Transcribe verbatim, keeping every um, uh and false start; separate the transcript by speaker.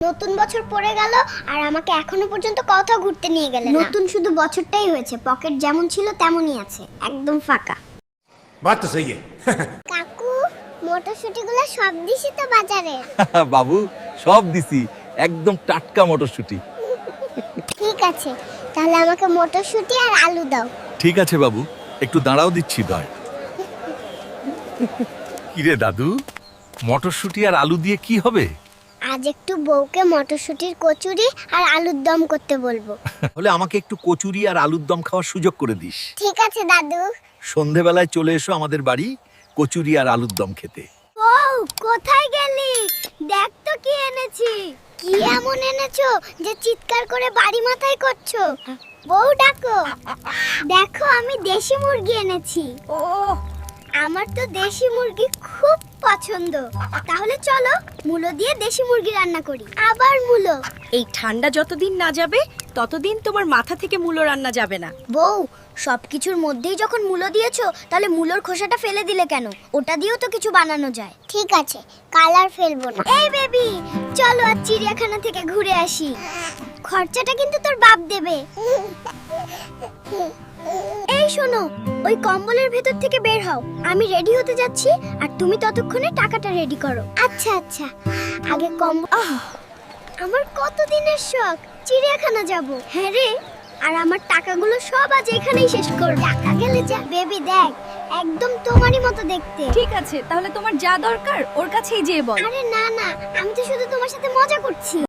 Speaker 1: নতুন বছর পড়ে গেল আর আমাকে এখনো পর্যন্ত কোথাও ঘুরতে নিয়ে গেলে না। নতুন শুধু বছরটাই হয়েছে, পকেট যেমন ছিল তেমনই আছে, একদম ফাঁকা।
Speaker 2: बात तो सही है।
Speaker 1: কাকু, মটরশুটিগুলো সব দিছি তো বাজারে?
Speaker 3: বাবু সব দিছি, একদম টাটকা মটরশুঁটি।
Speaker 1: ঠিক আছে, তাহলে আমাকে মটরশুটি আর আলু দাও।
Speaker 3: ঠিক আছে বাবু, একটু দাঁড়াও দিচ্ছি দয়। কিরে দাদু, মটরশুঁটি আর আলু দিয়ে কি হবে?
Speaker 1: আজ একটু বউকে মটরশুটির কচুরি আর আলুর দম করতে বলবো।
Speaker 3: তাহলে আমাকে একটু কচুরি আর আলুর দম খাওয়ার সুযোগ করে দিস।
Speaker 1: ঠিক আছে দাদু।
Speaker 3: সন্ধেবেলায় চলে এসো আমাদের বাড়ি কচুরি আর আলুর দম খেতে।
Speaker 1: ও, কোথায় গেলি? দেখ তো কি এনেছি। কি এমন এনেছো যে চিৎকার করে বাড়ি মাথায় করছো? বউ ডাকো। দেখো, আমি দেশি মুরগি এনেছি। ও, আমার তো দেশি মুরগি খুব পছন্দ। তাহলে চলো মূলো দিয়ে দেশি মুরগি রান্না করি। আবার মূলো?
Speaker 4: এই ঠান্ডা যতদিন না যাবে ততদিন তোমার মাথা থেকে মূলো রান্না যাবে না।
Speaker 1: বউ, সবকিছুর মধ্যেই যখন মূলো দিয়েছো, তাহলে মূলোর খোসাটা ফেলে দিলে কেন? ওটা দিয়েও তো কিছু বানানো যায়। ঠিক আছে, কালার ফেলবো না। এই বেবি, চলো আজ চিড়িয়াখানা থেকে ঘুরে আসি। খরচাটা কিন্তু তোর বাপ দেবে। এই শোনো, ওই কম্বলের ভেতর থেকে বের হও। আমি রেডি হতে যাচ্ছি আর তুমি ততক্ষণে টাকাটা রেডি করো। আচ্ছা আচ্ছা, আগে কম্বল। আমার কতদিনের শখ চিড়িয়াখানা যাব। হ্যাঁ রে, আর আমার টাকাগুলো সব আজ এখানেই শেষ করব। টাকা গেলে যা। বেবি দেখ, একদম তোমারই মতো দেখতে।
Speaker 4: ঠিক আছে, তাহলে তোমার যা দরকার ওর কাছেই যেয়ে বল।
Speaker 1: আরে না না, আমি তো শুধু তোমার সাথে মজা করছি।